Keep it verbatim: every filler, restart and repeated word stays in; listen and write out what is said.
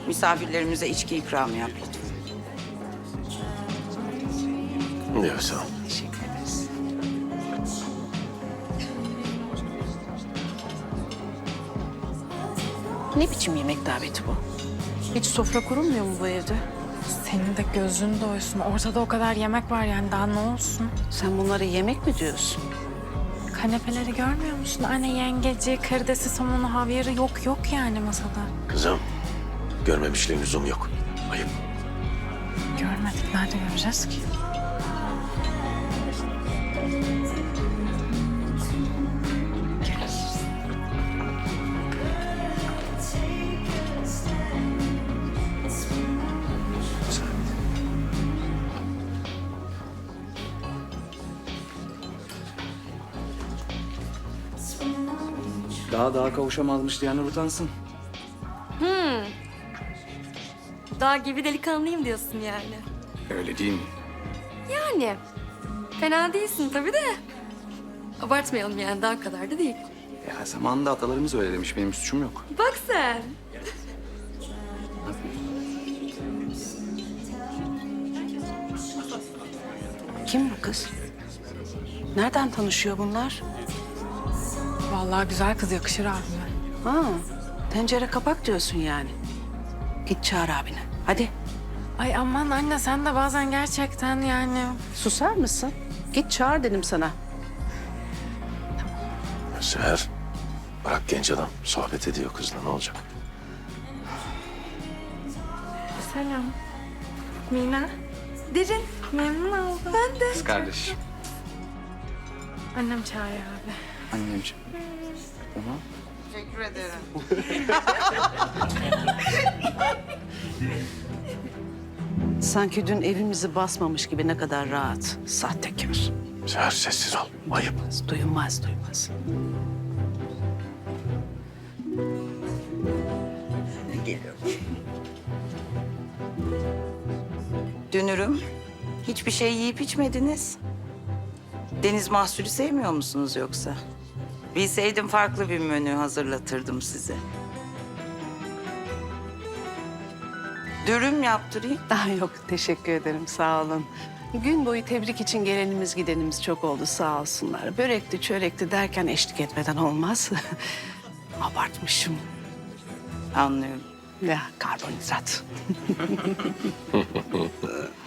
Misafirlerimize içki ikramı yap lütfen. Yok sağ ol. Teşekkür ederiz. Ne biçim yemek daveti bu? Hiç sofra kurulmuyor mu bu evde? Senin de gözün doysun. Ortada o kadar yemek var yani daha ne olsun? Sen bunları yemek mi diyorsun? Kanepeleri görmüyor musun? Anne yengeci, karidesi, somonu, havyarı yok yok yani masada. Kızım, görmemişliğin lüzum yok. Ayıp. Görmedik. Nerede göreceğiz ki? Daha daha kavuşamazmış diyenler utansın. Dağ gibi delikanlıyım diyorsun yani. Öyle değil mi? Yani fena değilsin tabii de. Abartmayalım yani daha kadar da değil. Ya zamanında atalarımız öyle demiş. Benim suçum yok. Bak sen. Kim bu kız? Nereden tanışıyor bunlar? Vallahi güzel kız yakışır abime. Ha, tencere kapak diyorsun yani. Git çağır abini. Hadi Ay aman anne sen de bazen gerçekten yani... susar mısın? Git çağır dedim sana. Seher, bırak genç adam. Sohbet ediyor kızla, ne olacak? Selam. Mina. Derin. Memnun oldum. Ben de. Kız kardeş. Annem çağırıyor abi. Annemciğim. Tamam. Teşekkür ederim. Sanki dün evimizi basmamış gibi ne kadar rahat. Sahtekar. Seher sessiz ol. Ayıp. Duymaz, duymaz. Dünürüm, hiçbir şey yiyip içmediniz. Deniz mahsulü sevmiyor musunuz yoksa? Bilseydim farklı bir menü hazırlatırdım size. Dürüm yaptırayım. Daha yok, teşekkür ederim. Sağ olun. Gün boyu tebrik için gelenimiz gidenimiz çok oldu sağ olsunlar. Börekti, çörekti derken eşlik etmeden olmaz. Abartmışım. Anlıyorum. Ya karbonhidrat.